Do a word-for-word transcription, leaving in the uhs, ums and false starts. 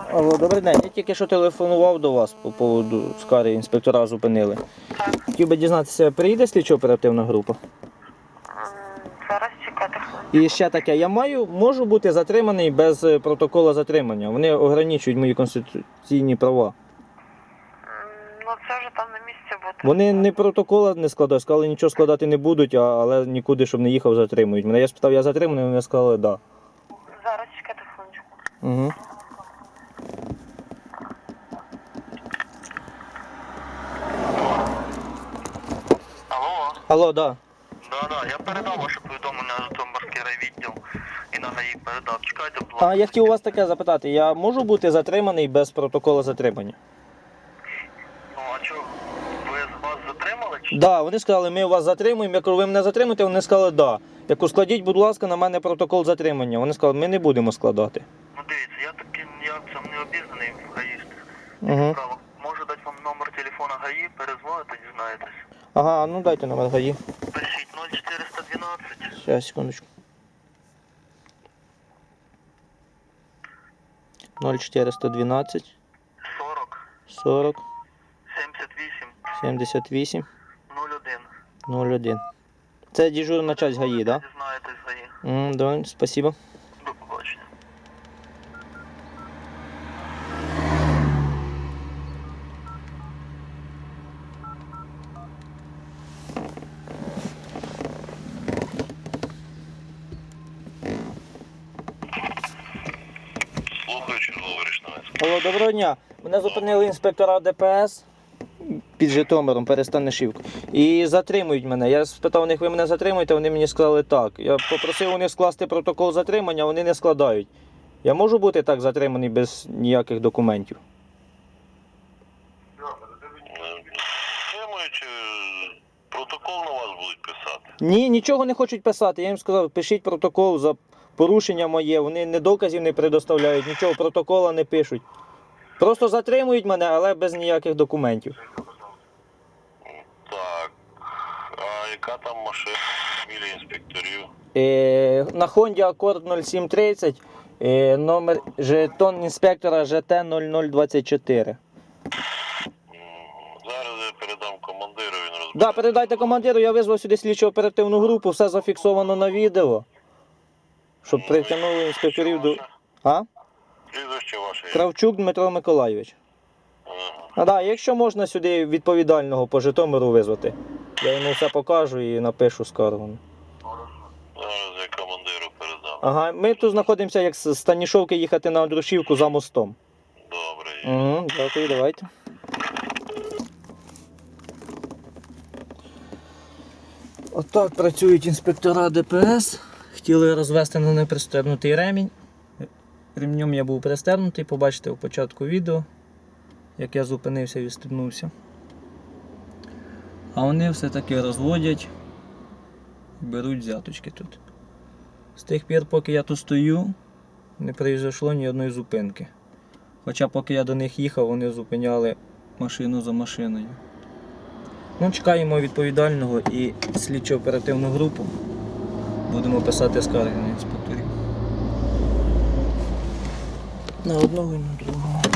Алло, добрий день. Я тільки що телефонував до вас по поводу скарги, інспектора зупинили. Так. Хотів би дізнатися, приїде слідчо-оперативна група? М, Зараз чекати хвилину. І ще таке, я маю, можу бути затриманий без е, протоколу затримання. Вони ограничують мої конституційні права. М, Ну це вже там на місці буде. Вони не протокола не складають, сказали, нічого складати не будуть, а, але нікуди, щоб не їхав, затримують. Мене я спитав, я затриманий, вони сказали, так. Да. Зараз чекати хвилиночку. Угу. Алло, Алло, да. да, да, я передав ваше повідомлення на Житомирський райвідділ і на ГАІ передав. Чекайте, будь ласка. А я хотів у вас таке запитати, я можу бути затриманий без протоколу затримання? Ну, а чого, ви вас затримали? Чи? Так, да, вони сказали, ми вас затримуємо. Я кажу, ви мене затримуєте? Вони сказали, так. Да. Я кажу, складіть, будь ласка, на мене протокол затримання. Вони сказали, ми не будемо складати. Ну дивіться, я таки я цим не обізнаний в гаїстах. Угу. Право. Можу дати вам номер телефона ГАІ, перезвоните, дізнаєтесь. Ага, ну дайте номер ГАІ. Пишіть нуль чотириста дванадцять. Сейчас, секундочку. ноль чотириста дванадцять сорок сорок сімдесят вісім сімдесят вісім нуль один. нуль один. Це дежурна часть ГАІ, так? Дізнаєтесь ГАІ. Да? М, да, спасибо. До побачення. Слухаю, черговий Рішневець. Алло, доброго дня. Мене зупинили інспектора ДПС під Житомиром, Перестанишівку. І затримують мене. Я спитав у них, ви мене затримуєте, вони мені сказали так. Я попросив у них скласти протокол затримання, вони не складають. Я можу бути так затриманий без ніяких документів? Тримуючи, протокол на вас будуть писати. Ні, нічого не хочуть писати. Я їм сказав, пишіть протокол за порушення моє. Вони не доказів не предоставляють, нічого, протокола не пишуть. Просто затримують мене, але без ніяких документів. Так. А яка там машина? Фамілія інспекторів? Е, на Honda Accord нуль сім тридцять, е, номер жетон інспектора Ж Т нуль нуль двадцять чотири. Зараз я передам командиру, він розбере. Да, передайте командиру, я визвав сюди слідчо-оперативну групу, все зафіксовано на відео. Щоб притягнули інспекторів до... А? Прізвище ваше. Кравчук Дмитро Миколайович. Ага. А да, якщо можна сюди відповідального по Житомиру визвати, я йому все покажу і напишу скаргу. Зараз я командиру передам. Ага, ми тут знаходимося, як з Станішовки їхати на Андрушівку за мостом. Добре. Угу, дякую, давайте. Отак працюють інспектора ДПС. Хотіли розвести на непристебнутий ремінь. Ремнем я був пристебнутий, побачите у початку відео, як я зупинився і відстебнувся. А вони все-таки розводять і беруть взяточки тут. З тих пір, поки я тут стою, не произошло ні одної зупинки. Хоча поки я до них їхав, вони зупиняли машину за машиною. Ну, чекаємо відповідального і слідчо-оперативну групу. Будемо писати скарги на інспекторів. На одного і на другого.